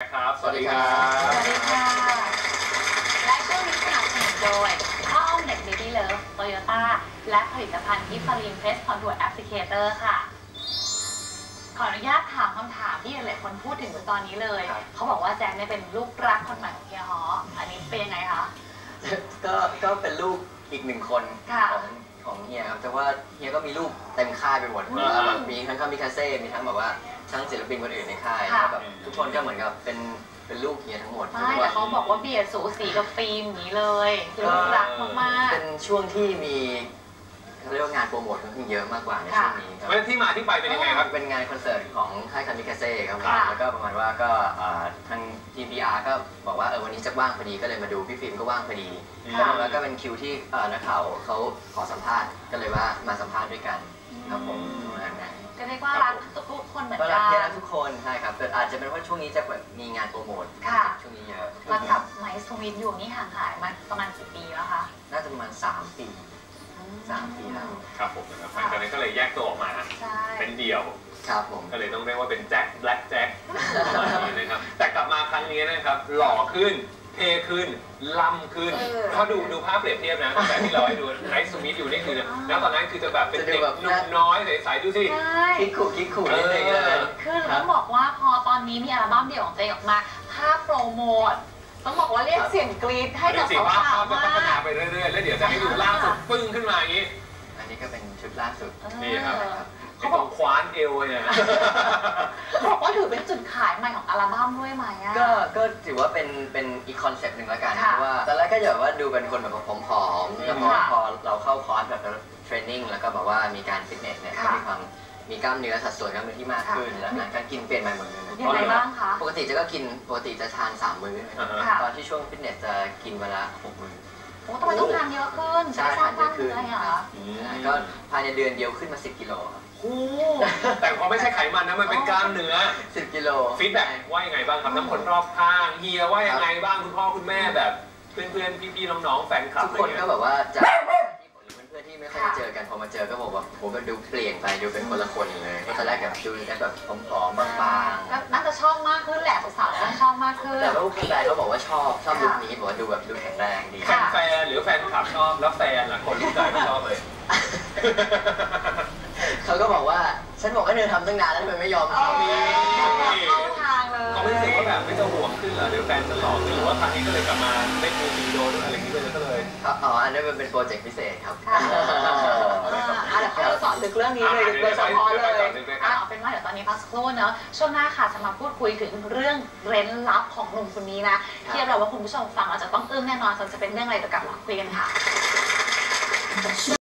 นะครับสวัสดีครับสวัสดีค่ะและช่วงนี้สนับสนุนโดยข้าวอ้อมเด็ก Baby Love Toyota และผลิตภัณฑ์กิฟฟารินเพสคอนทัวร์แอปพลิเคเตอร์ค่ะขออนุญาตถามคำถามที่หลายคนพูดถึงตอนนี้เลยเขาบอกว่าแจ็คเนี่ยเป็นลูกรักคนใหม่ของเฮียฮออันนี้เป็นยังไงคะก็เป็นลูกอีกหนึ่งคนของเฮียครับแต่ว่าเฮียก็มีลูกเต็มค่ายไปหมดแบบมีทั้งคามิคาเซ่มีทั้งแบบว่าทั้งศิลปินคนอื่นในค่ายแบบทุกคนก็เหมือนกับเป็นลูกเฮียทั้งหมดใช่แต่เขาบอกว่าเบียร์สูสีกับฟิล์มอย่างนี้เลยคือลูกรักมากๆเป็นช่วงที่มีเขาเรียกว่างานโปรโมทค่อนข้างเยอะมากกว่าในช่วงนี้ครับที่มาที่ไปเป็นยังไงครับเป็นงานคอนเสิร์ตของค่ายคามิคาเซ่ครับแล้วก็ประมาณว่าก็ทางทีม PR ก็บอกว่าวันนี้จะว่างพอดีก็เลยมาดูพี่ฟิล์มก็ว่างพอดีแล้วก็เป็นคิวที่นักข่าวเขาขอสัมภาษณ์ก็เลยว่ามาสัมภาษณ์ด้วยกันครับผมก็เรียกว่ารักทุกคนเหมือนกันรักทุกคนใช่ครับแต่อาจจะเป็นว่าช่วงนี้จะมีงานโปรโมทช่วงนี้เยอะแล้วกับไมซ์สวิตอยู่นี่ห่างหายมาประมาณกี่ปีแล้วคะน่าจะประมาณ3 ปีแล้วครับผมนะครับหลังจากนั้นก็เลยแยกตัวออกมาเป็นเดี่ยวครับผมก็เลยต้องเรียกว่าเป็นแจ็คแบล็คแจ็คประมาณนี้นะครับแต่กลับมาครั้งนี้นะครับหล่อขึ้นเท่ขึ้นล่ำขึ้นถ้าดูภาพเปรียบเทียบนะตั้งแต่ที่เราให้ดูไนท์สมิธอยู่นี่คือแล้วตอนนั้นคือจะแบบเป็นเด็กหนุ่มน้อยใสๆดูสิคิกขู่นิดนึงเลยคือต้องบอกว่าพอตอนนี้มีอัลบั้มเดี่ยวของตัวเองออกมาภาพโปรโมทต้องบอกว่าเรียกเสียงกรี๊ดให้กับสาวๆมากพัฒนาไปเรื่อยๆแล้วเดี๋ยวจะให้ดูล่าสุดปึ้งขึ้นมาอย่างนี้อันนี้ก็เป็นชุดล่าสุดนี่ครับเขาบอกคว้านเอวเนี่ยบอกว่าถือเป็นจุดขายใหม่ของอัลบั้มด้วยไหมอ่ะก็ถือว่าเป็นอีกคอนเซ็ปต์หนึ่งแล้วกันเพราะว่าตอนแรกก็แบบว่าดูเป็นคนแบบผอมๆแล้วพอเราเข้าคอร์สแบบเทรนนิ่งแล้วก็แบบว่ามีการฟิตเนสเนี่ยก็มีกล้ามเนื้อสัดส่วนกล้ามเนื้อที่มากขึ้นแล้วการกินเปลี่ยนใหม่หมดเลยยังไงบ้างคะปกติจะทาน3 มื้อตอนที่ช่วงฟิตเนสจะกินเวลา6 มื้อโอ้ทำไมต้องทานเยอะขึ้นใช่ทานเยอะขึ้นเหรอก็ภายในเดือนเดียวขึ้นมา10 กิโลครับแต่พอไม่ใช่ไขมันนะมันเป็นกล้ามเนื้อ 10 กิโลฟีดแบ็กว่ายังไงบ้างครับทั้งคนรอบข้างเฮียว่ายังไงบ้างคุณพ่อคุณแม่แบบเพื่อนๆพี่ๆน้องๆแฟนคลับทุกคนก็แบบว่าจะเพื่อนที่ไม่ค่อยได้เจอกันพอมาเจอก็บอกว่าผมก็ดูเปลี่ยนไปดูเป็นคนละคนเลยตอนแรกแบบดูแบบผอมๆบางๆน่าจะชอบมากขึ้นแหละสาวๆน่าชอบมากขึ้นแต่ว่าแฟนเขาบอกว่าชอบลุคนี้บอกว่าดูแข็งแรงดีแฟนหรือแฟนคลับชอบแล้วแฟนล่ะคนรู้ใจไม่ชอบเลยเขาก็บอกว่าฉันบอกให้เธอทำตั้งนานแล้วทำไมไม่ยอมทำเข้าทางเลยเขาไม่รู้สึกว่าแบบไม่จะห่วงขึ้นเหรอเดี๋ยวแฟนจะหลอกขึ้นหรือว่าครั้งนี้ก็เลยกลับมาเล่นมิวสิกวิดีโอด้วยอะไรอย่างนี้เลยก็เลยอันนี้มันเป็นโปรเจกต์พิเศษครับเดี๋ยวเขาจะสอนถึงเรื่องนี้เลยโดยเฉพาะเลยเอาเป็นว่าเดี๋ยวตอนนี้พักสักครู่เนอะช่วงหน้าค่ะจะมาพูดคุยถึงเรื่องเร้นลับของหนุ่มคนนี้นะที่เราว่าคุณผู้ชมฟังเราจะต้องอึ้งแน่นอนจะเป็นเรื่องอะไรเดี๋ยวกลับมาคุยกันค่ะ